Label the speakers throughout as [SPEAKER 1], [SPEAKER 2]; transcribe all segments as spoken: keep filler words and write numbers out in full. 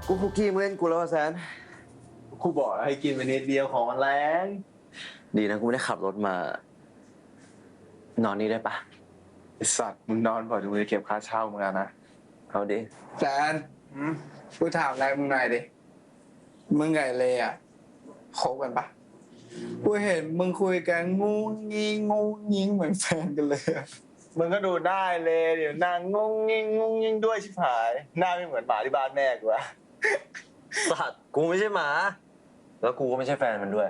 [SPEAKER 1] กูคุกกี้มึงเล่นกูแล้วแซน
[SPEAKER 2] กูบอกให้กินไปนิดเดียวของมันแรง
[SPEAKER 1] ดีนะกูไม่ได้ขับรถมา นอนนี่ได้ปะ
[SPEAKER 2] ไอสัตว์มึงนอนก่อนมึงจะเก็บค่าเช่ามึงนะ
[SPEAKER 1] เอาดิ
[SPEAKER 3] แซนกูถามอะไรมึงหน่อยดิมึงไงเลยอ่ะคบกันปะกูเห็นมึงคุยกันงูงี้งูยิงเหมือนแฟนกันเลย
[SPEAKER 2] มึงก็ดูได้เลยเดี๋ยวนางงงงิงงงงิงด้วยชิบหายหน้าไม่เหมือนหมาที่บ้านแม่กูอะ
[SPEAKER 1] สัตว์กูไม่ใช่หมา แล้วกูก็ไม่ใช่แฟนมันด้วย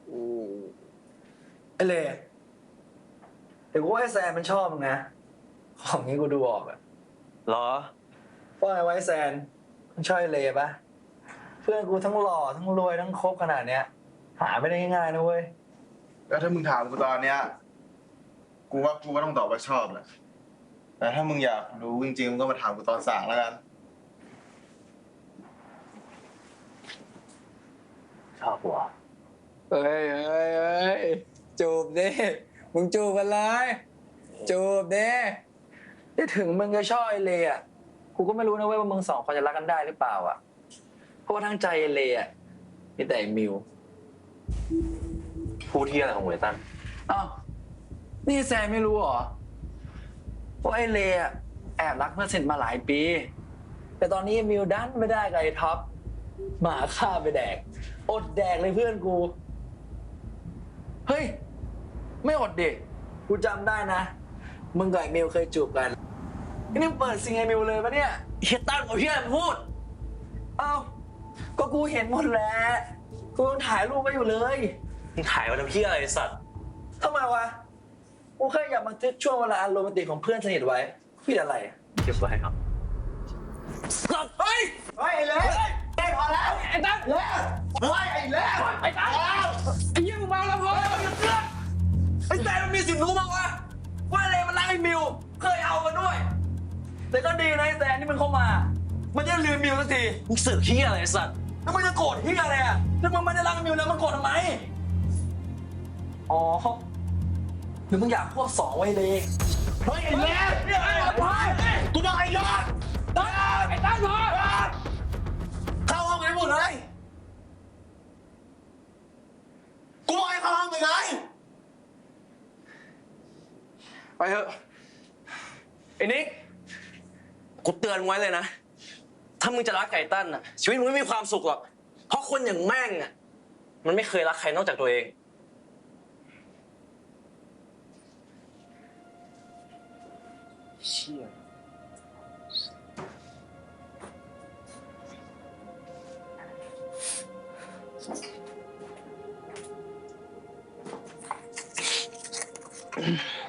[SPEAKER 4] ไอเล่เดี๋ยวกูว่าไอแซนมันชอบมึงนะของนี้กูดูออกอะ
[SPEAKER 1] หรอ
[SPEAKER 4] ว่าไงไว้แซนมันชอบไอเล่ปะเพื่อนกูทั้งหล่อทั้งรวยทั้งคบขนาดเนี้ยหาไม่ได้ง่ายๆนะเว้ย
[SPEAKER 2] แล้วถ้ามึงถามกูตอนเนี้ยกูว่ากูก็ต้องตอบว่าชอบแหละแต่ถ้ามึงอยากรู้จริงๆมึงก็มาถามกูตอนสั่งแล้วกัน
[SPEAKER 1] ชอบหัว
[SPEAKER 3] เฮ้ยเฮ้ยเฮ้ยจูบดิมึงจูบกันเลยจูบดิ
[SPEAKER 4] ที่ถึงมึงจะชอบไอเล่อะกูก็ไม่รู้นะเว้ยว่ามึงสองคนจะรักกันได้หรือเปล่าอะเพราะว่าทั้งใจไอเล่อะมีแต่ไอ้มิว
[SPEAKER 1] พูดที่อะไรของเวตัน
[SPEAKER 4] อ้าวนี่แซมไม่รู้เหรอว่าไอเล่อะแอบรักเพื่อนสนิทมาหลายปีแต่ตอนนี้มิวดันไม่ได้กับไอ้ท็อปหมาฆ่าไปแดกอดแดกเลยเพื่อนกูเฮ้ยไม่อดดิกูจำได้นะมึงกับไอ้มิวเคยจูบกันนี่เปิดซิงไอ้มิวเลยปะเนี่ยเฮียตั้งกับเฮียพูดเอ้าก็กูเห็นหมดแล้วกูยังถ่ายรูปไว้อยู่เลย
[SPEAKER 1] มึงถ่ายมาทำเพี้ยอะไรสัตว์
[SPEAKER 4] ทำไมวะกูแค่อยากบันทึกช่วงเวลาอันโรแมนติกของเพื่อนสนิทไว้ผิดอะไร
[SPEAKER 1] เก็บไว้ครับ
[SPEAKER 4] เฮ้ยเฮ้ยไอ้เล่ไอ้พอแล้วไอ้ตั้งเล่เฮ้ยไอ้เล่ไอ้ตั้งไอ้ยี่มึงเมาแล้วพอไอ้แต่มันมีสิทธิ์รู้มั้งวะว่าเล่มันรักไอ้มิวเคยเอามาด้วยแต่ก็ดีนะไอ้แต่นี่มันเข้ามามันจะลืมมิวสักที
[SPEAKER 1] มึงเสือกเพี้ยอะไรสัตว์
[SPEAKER 4] แล้วมันจะโกรธที่อะไรอ่ะถ้ามันไม่ได้รักมิวแล้วมันโกรธทำไมอ๋อหรือมึงอยากควบสองไว้เลยเฮ้ยไอ้เล่เนี่ยไอ้พายกูบอกไอ้ยอดตั้งไอ้ตั้งพอเข้าห้องไหนหมดเลยกูบอกให้เข้าห้องไปไง
[SPEAKER 1] ไปเถอะไอ้นิกกูเตือนไว้เลยนะถ้ามึงจะรักไก่ตั้นอ่ะชีวิตมึงไม่มีความสุขหรอกเพราะคนอย่างแม่งอ่ะมันไม่เคยรักใครนอกจากตัวเองเชี่ย